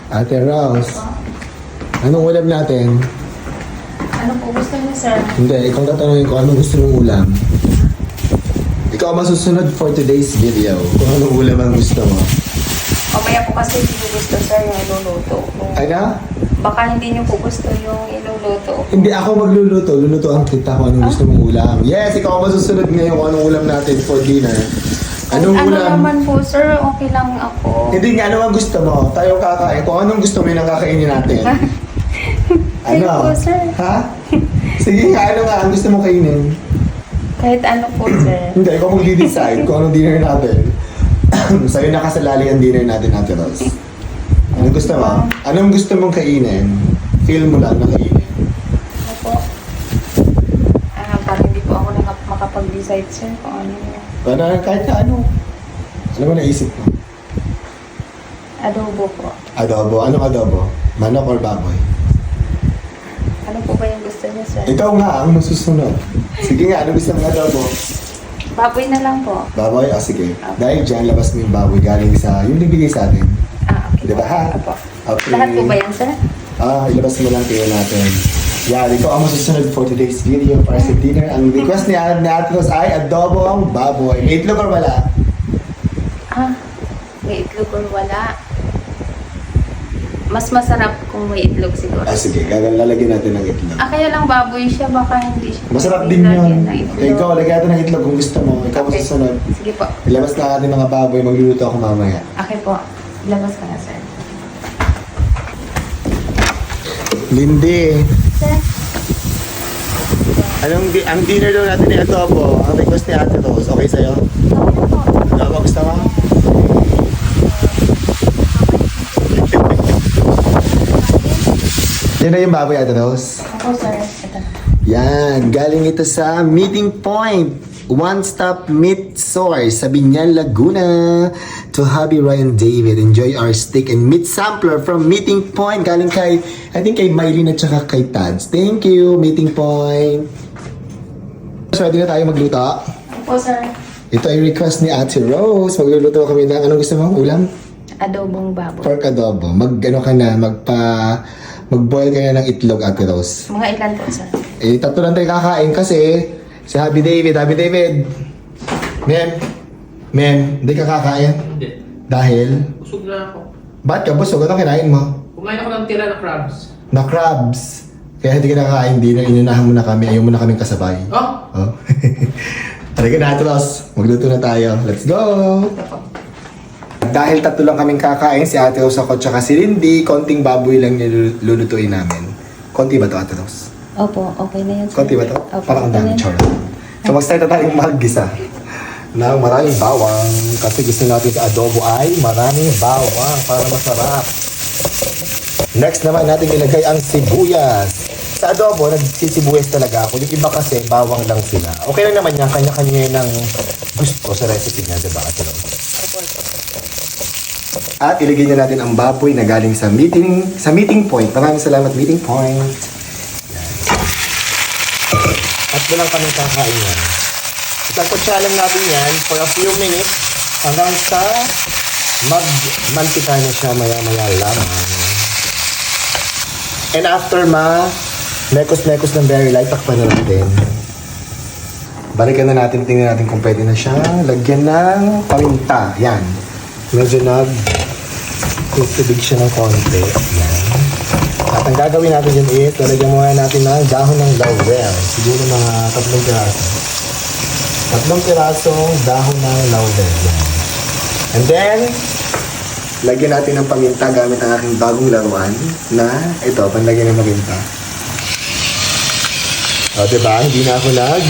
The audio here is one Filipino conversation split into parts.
Ate Rose, anong ulam natin? Ano po gusto niyo, sir? Hindi, ikaw tatanungin ko anong gusto mong ulam. Ikaw ang masusunod for today's video kung anong ulam ang gusto mo. Mamaya po kasi hindi niyo gusto, sir, yung iluluto ko. Ano? Baka hindi niyo po gusto yung iluluto ko. Hindi ako magluluto. Lulutoan kita kung anong gusto mong ulam. Yes, ikaw ang masusunod ngayon kung anong ulam natin for dinner. Anong ano ulam? naman po, sir, okay lang ako. Hindi nga, ano ang gusto mo? Tayo kakain. Kung anong gusto mo yun ang kakainin natin. Ayun po, sir. Ha? Sige nga, ano nga ang gusto mong kainin? Kahit ano po, sir. Hindi, ikaw mag-decide kung anong dinner natin. Sa'yo nakasalali ang dinner natin, Ate Rose. Anong gusto mo? Anong gusto mong kainin? Feel mo lang na kainin. Ano po? Parang hindi po ako makapag-decide, sir, kung ano yun. Kahit na ano. Ano mo naisip mo? Adobo po. Adobo. Anong adobo? Manok or baboy? Ano po ba yung gusto niyo, sir? Ikaw nga ang masusunod. Sige nga, ano gusto mong adobo? Baboy na lang po. Baboy? O sige. Dahil dyan, labas mo yung baboy galing sa, yung bibigay sa atin. Okay. Di ba ha? Apo. Okay. Lahat po ba yan, sir? Ilabas mo lang kayo natin. Yan, ikaw ang masusunod for today's video para sa dinner. Ang request ni Ate Rose ay adobo ang baboy. May itlog or wala? May itlog or wala. Mas masarap kung may itlog siguro. Sige, lalagyan natin ng itlog. Kaya lang baboy siya, baka hindi siya. Masarap din lagyan yun. ng itlog. Ikaw, lagyan natin ng itlog kung gusto mo. Ikaw Okay. masusunod. Sige po. Ilabas na natin mga baboy, magluluto ako mamaya. Okay po. Labas ka na, sir. Lindy, Sir? ang dinner daw natin ay adobo. Ang request ni Ate Rose, okay sa'yo? Okay po. Adobo, gusto mo? Yan na yung baboy, Ate Rose. Ako, sir. Ito na. Yan, galing ito sa Meeting Point. One-stop meat source sa Binyan, Laguna. To Hubby Ryan David, enjoy our steak and meat sampler from Meeting Point. Galing kay, I think kay Mylene at saka kay Tads. Thank you, Meeting Point. So, ready na tayo magluto. Ako, sir. Ito ay request ni Ate Rose. Magluluto kami ng, anong gusto mo? Ulam? Adobong baboy. Pork adobo. Mag-boil ka na ng itlog, Ate Rose. Mga ilan po, sir? Tatlo lang tayo kakain kasi si Happy David, Mem, hindi ka kakain? Hindi. Dahil? Busog na ako. Ba't ka busog? Anong kinain mo? Kumain ako ng tira na crabs. Na crabs. Kaya hindi ka nakakain dinner, inunahan mo na kami, ayaw mo na kaming kasabay. Oh? Oh. Halika na, Ate Rose. Magluto na tayo. Let's go! Dahil tatlo lang kaming kakain, si Ate Rose ako tsaka si Lindy, konting baboy lang nilulutuin namin. Konti ba to, Ate Rose? Opo, okay na yan, sir. Konti ba to? Opo, Parang ang okay na dami, yan. char. So mag-start na tayong mag-gisa ng maraming bawang kasi gusto natin sa adobo ay maraming bawang para masarap. Next naman natin ilagay ang sibuyas. Sa adobo, nagsisibuyas talaga ako. Yung iba kasi, bawang lang sila. Okay lang naman yan, kanya-kanya ng gusto sa recipe niya, diba? At ilagay na natin ang baboy na galing sa meeting point. Maraming salamat, Meeting Point. At lang kaming kakain yan. Itatotsa lang natin yan for a few minutes hanggang sa magmantika na siya maya-maya lamang. And after mekos-mekos ng very light, takpan na natin. Balikan na natin, tingnan natin kung pwede na siya. Lagyan ng paminta. Yan. Medyo nag-tubig siya ng konti. Yan. At ang gagawin natin dyan is, lalagyan muna natin ng dahon ng laurel. Siguro mga 3 piraso. 3 pirasong dahon ng laurel. Yan. And then, lagyan natin ng paminta gamit ang aking bagong laruan na ito, panlagyan ng paminta. O, diba? Hindi na ako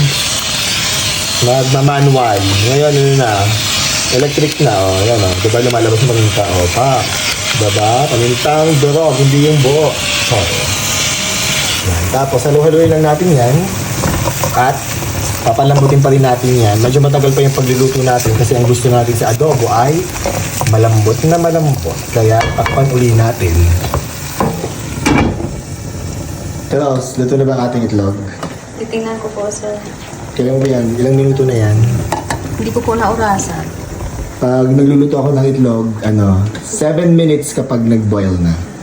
magmamanual. Ngayon, ano na? Electric na, o. Yan, o. Diba lumalabas yung paminta? O, pa. Diba? Pamintang durog, hindi yung buo. So, yan. Tapos, halu-haluin lang natin yan. At, papalambutin pa rin natin yan. Medyo matagal pa yung pagluluto natin kasi ang gusto natin sa adobo ay malambot na malambot. Kaya, takpan uli natin. Teros, luto na ba ang ating itlog? Titingnan ko po, sir. Kailan mo ba yan? Ilang minuto na yan? Hindi ko po naurasan. Pag nagluluto ako ng itlog, 7 minutes kapag nag-boil na.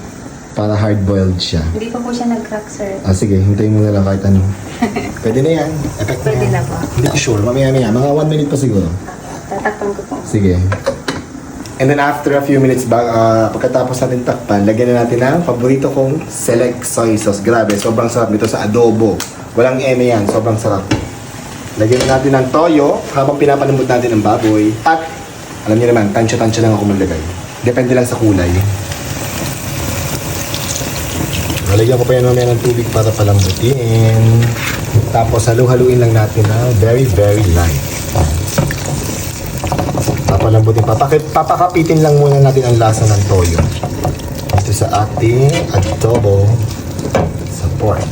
Para hard-boiled siya. Hindi pa po siya nag-crack, sir. Ah, sige, hintayin mo na lang kahit ano. Pwede na yan. Effect Pwede yan. na ba? Hindi ko sure. Mamaya-maya. Mga 1 minute pa siguro. Tatakpan ko po. Sige. And then after a few minutes, pagkatapos natin takpan, lagyan na natin ang paborito kong select soy sauce. Grabe, sobrang sarap nito sa adobo. Walang eme yan, sobrang sarap. Lagyan na natin ng toyo habang pinapanambot natin ang baboy. At, alam niyo naman, tansya-tansya lang ako maglagay. Depende lang sa kulay. Lalagyan ko pa yan mamaya ng tubig para palambutin. Tapos halu-haluin lang natin na very, very light. Papalambutin. Papakapitin lang muna natin ang lasa ng toyo. Ito sa ating adobo sa pork.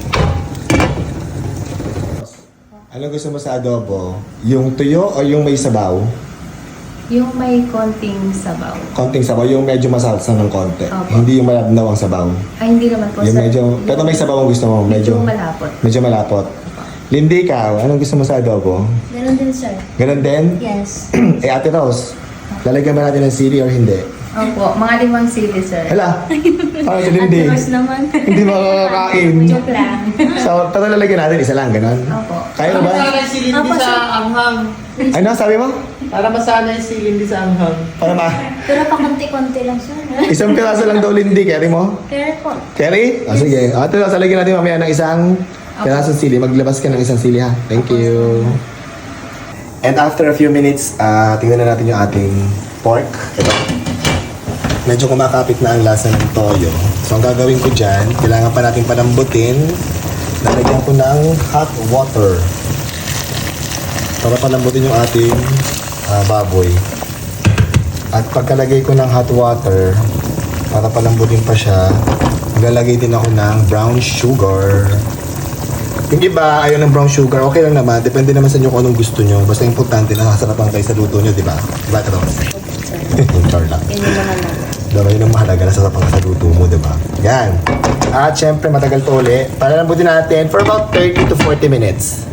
Ano gusto mo sa adobo? Yung tuyo o yung may sabaw? Yung may konting sabaw. Konting sabaw, yung medyo masalsa ng konti. Opo. Hindi yung malabnaw ang sabaw. Ay, hindi naman po, Yung sir. medyo, pero may sabaw ang gusto mo. Medyo malapot. Medyo malapot. Lindy, ikaw, anong gusto mo sa adobo? Ganun din, sir. Ganun din? Yes. Ate Rose, lalagyan ba natin ng sili or hindi? Opo, mga 5 sili, sir. Hala, parang si Lindy. At naman. Hindi makakakain. Joke lang. So, pero lalagyan natin isa lang, ganun? Opo. Kaya ba? Para si Lindy Opo, sa sir. anghang. Ano, sabi mo? Para masanay si Lindy sa anghang. Para ma, Pero pa konti-konti lang siya. isang piraso lang daw, Lindy. Carry mo? Pero po, Carry? Ah, sige. Ate Rose, lalagyan natin mamaya ng isang pirasong sili. Maglabas ka ng isang sili, ha? Thank you. And after a few minutes, tingnan na natin yung ating pork. Ito. Medyo kumakapit na ang lasa ng toyo. So, ang gagawin ko dyan, kailangan pa natin palambutin. Lalagyan ko ng hot water. Para palambutin yung ating baboy. At pagkalagay ko ng hot water, para palambutin pa siya, maglalagay din ako ng brown sugar. Yung iba, ayaw ng brown sugar, okay lang naman. Depende naman sa inyo kung anong gusto nyo. Basta importante na nasarapan kayo sa luto nyo, di ba? Di ba, Tros? Yung char lang. Yun yung mga lang. Diba, yun ang mahalaga, nasarapan ka sa luto mo, di ba? Yan. At syempre, matagal to uli. Palalambutin natin for about 30 to 40 minutes.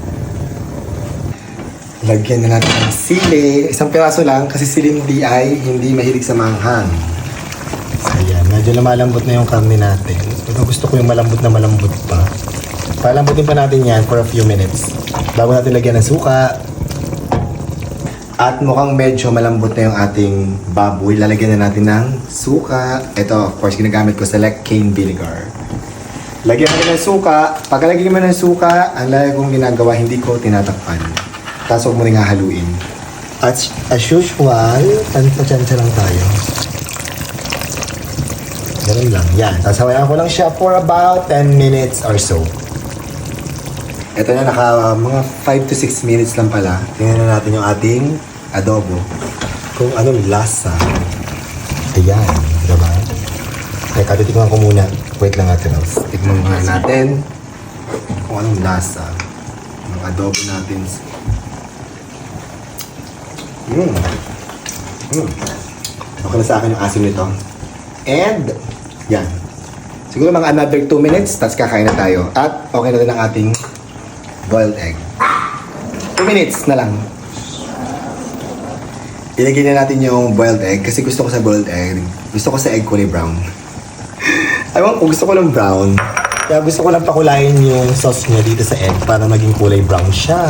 Lagyan na natin ng sili. Isang piraso lang kasi si Lindy ay hindi mahilig sa manghang. So, ayan. Medyo lumalambot na yung karne natin. Pero gusto ko yung malambot na malambot pa. Palambutin pa natin yan for a few minutes. Bago natin lagyan ng suka. At mukhang medyo malambot na yung ating baboy. Lalagyan na natin ng suka. Ito, of course, ginagamit ko select cane vinegar. Lagyan natin ng suka. Pagkalagyan mo ng suka, ang lagi kong ginagawa, hindi ko tinatakpan. Tapos huwag mo rin hahaluin. At as usual, tansya lang tayo. Ganun lang. Yan. Tapos hawayan ko lang siya for about 10 minutes or so. Ito na, mga 5 to 6 minutes lang pala. Tingnan na natin yung ating adobo. Kung anong lasa. Ayan, diba? Teka, titikman ko muna. Wait lang natin. Tikman muna natin kung anong lasa ng adobo natin. Okay na sa akin yung asim nito. And, yan. Siguro mga another 2 minutes, tapos kakain na tayo. At okay na din ang ating boiled egg. 2 minutes na lang. Ilagay na natin yung boiled egg kasi gusto ko sa boiled egg. Gusto ko sa egg kulay brown. Ewan ko, gusto ko lang brown. Kaya gusto ko lang pakulayin yung sauce niya dito sa egg para maging kulay brown siya.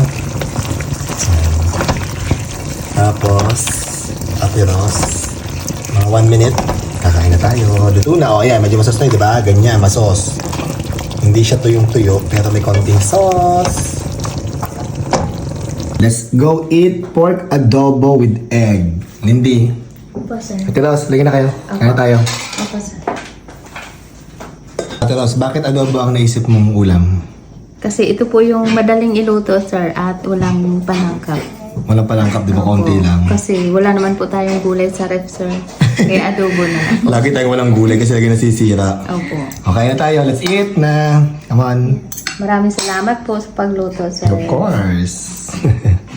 Tapos, aperos. Mga 1 minute, kakain na tayo. Luto na. O, ayan, medyo masos na yun, diba? Ganyan, masos. Hindi siya tuyong-tuyo, pero may konting sauce. Let's go eat pork adobo with egg. Lindy. po sir. Ate Ros, lagyan na kayo. Kaya tayo. Opo sir. Ate Ros, bakit adobo ang naisip mong ulam? Kasi ito po yung madaling iluto, sir, at walang panangkap. Walang palangkap, di ba? Konti Opo. lang. Kasi wala naman po tayong gulay sa ref, sir. Kaya adobo na lang po. Lagi tayong walang gulay kasi lagi nasisira. Opo. Okay na tayo. Let's eat na. Come on. Maraming salamat po sa pagluto, sir. Of course.